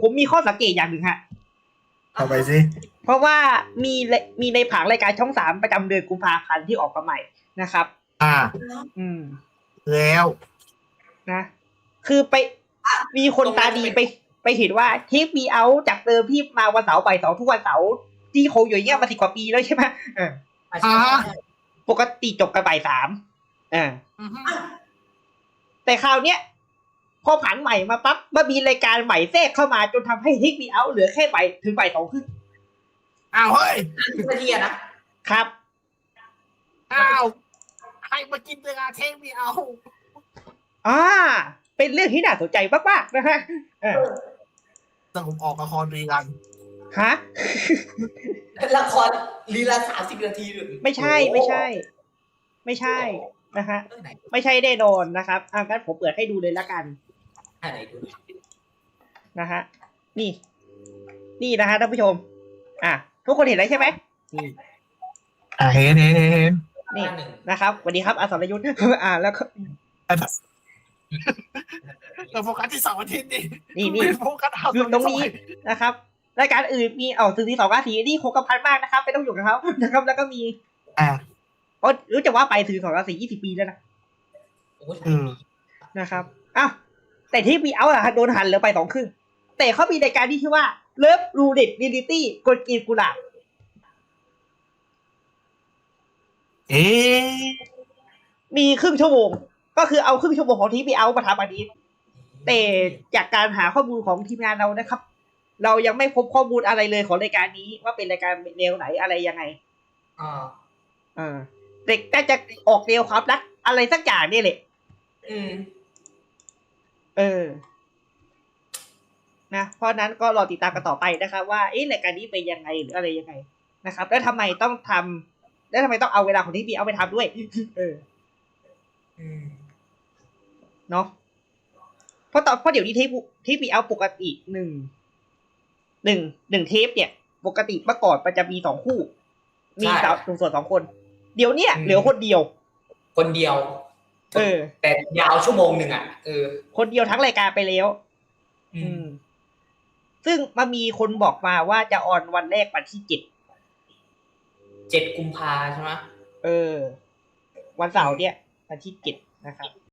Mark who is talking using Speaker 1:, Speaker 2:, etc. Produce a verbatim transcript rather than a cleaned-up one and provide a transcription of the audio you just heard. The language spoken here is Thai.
Speaker 1: ผมมีข้อสังเกตอย่างหนึ่งฮะ
Speaker 2: ทำไปสิ
Speaker 1: เพราะว่ามีมีในผังรายการช่องสามประจำเดือนกุมภาพันธ์ที่ออกมาใหม่นะครับ
Speaker 2: อ่า
Speaker 1: อืม
Speaker 2: แล้ว
Speaker 1: นะ คือไปมีคนตาดีไป ไปเห็นว่าเทปมีเอาจากเดิมที่มาวันเสาร์บ่ายสองทุกวันเสาร์ที่โคอยู่อย่างเงี้ยมาสิบกว่าปีแล้วใช่ไหมเออ
Speaker 2: อ่า
Speaker 1: ปกติจบกันบ่ายสามอ่าแต่คราวเนี้ยพอผันใหม่มาปั๊บมามีรายการใหม่แทรกเข้ามาจนทำให้เทคมีเอาเหลือแค่บ่ายถึงบ่ายสองครึ่ง
Speaker 2: อ้าวเฮ้ย
Speaker 3: นาทีอะนะครับ
Speaker 2: อ้าวให้มากินเวลาเทคมีเอา
Speaker 1: อ่า เป็นเรื่องที่น่าสนใจมากๆนะฮะเออ
Speaker 2: สรุปออกละครรีรัน
Speaker 1: ฮะ
Speaker 3: ละครลีลาสามสิบนาทีหรือ
Speaker 1: ไม่ใช่ไม่ใช่ ไม่ใช่นะฮะ
Speaker 3: เรื่องไหน
Speaker 1: ไม่ใช่แน่นอนนะครับอ่ะงั้นผมเปิดให้ดูเลยละกัน
Speaker 3: อันไหนดู
Speaker 1: นะฮะ นี่ นี่นะฮะท่านผู้ชม อ่ะทุกคนเห็นแล้วใช่ไหมนี่
Speaker 2: อ่าเห็นเห็นเห็นเห็น
Speaker 1: นี่
Speaker 3: หนึ่ง
Speaker 1: นะครับสวัสดีครับอาสรยุทธ์ อ่าแล้วก็
Speaker 2: เราโฟกัสที่เสาร์อาทิตย์ดิ
Speaker 1: นี่นี่
Speaker 2: ไม่โฟกัสเอา
Speaker 1: คือตรงนี้นะครับรายการอื่นมีเอาสื่อที่สองราศีนี่คงกระพันมากนะครับไม่ต้องอยู่กับเขานะครับ แล้วก็มี
Speaker 2: อ่า
Speaker 1: โอ้รู้จักว่าไปสื่อสองราศียี่สิบปีแล้วนะ
Speaker 3: โอ้ย
Speaker 2: อืม
Speaker 1: นะครับอ้าวแต่ที่มีเอาอะโดนหันเหลือไปสองครึ่งแต่เขามีรายการที่ชื่อว่าเลิฟรูเด็ดดิลิตี้กดกีบกุหลาบ
Speaker 2: เอ๊ะ
Speaker 1: มีครึ่งชั่วโมง ก็คือเอาครึ่งชั่วโมงของทีพีเอามาทำอันนี้แต่จากการหาข้อมูลของทีมงานเรานะครับ เรายังไม่พบข้อมูลอะไรเลยของรายการนี้ว่าเป็นรายการแนวไหนอะไรยังไง
Speaker 3: อ่า
Speaker 1: อ่าเด็กน่าจะออกแนวความรักอะไรสักอย่างนี่แหละ
Speaker 3: อืม
Speaker 1: เออ นะ เพราะนั้นก็รอติดตามกันต่อไปนะครับว่าเอ๊ะรายการนี้เป็นยังไงหรืออะไรยังไงนะครับ แล้วทำไมต้องทำแล้วทำไมต้องเอาเวลาของทีพีเอาไปทำด้วย เออ
Speaker 3: อืม
Speaker 1: เนาะเพราะตอนเพราะเดี๋ยวนี้เทปเทปเอาปกติหนึ่งหนึ่งหนึ่งเทปเนี่ย ปกติเมื่อก่อนมันจะมีสองคู่ มีสาวหนุ่มโสดสองคน เดี๋ยวเนี้ยเหลือคนเดียว
Speaker 3: คนเดียว
Speaker 1: เออ
Speaker 3: แต่ยาวชั่วโมงหนึ่งอ่ะเออ
Speaker 1: คนเดียวทั้งรายการไปแล้ว
Speaker 3: อื
Speaker 1: อื
Speaker 3: ม
Speaker 1: ม ซึ่งมามีคนบอกมาว่าจะออนวันแรกวันที่เจ็ด
Speaker 3: เจ็ดกุมภาใช่ไหม
Speaker 1: เออ วันเสาร์เนี่ยวันที่เจ็ดนะครับ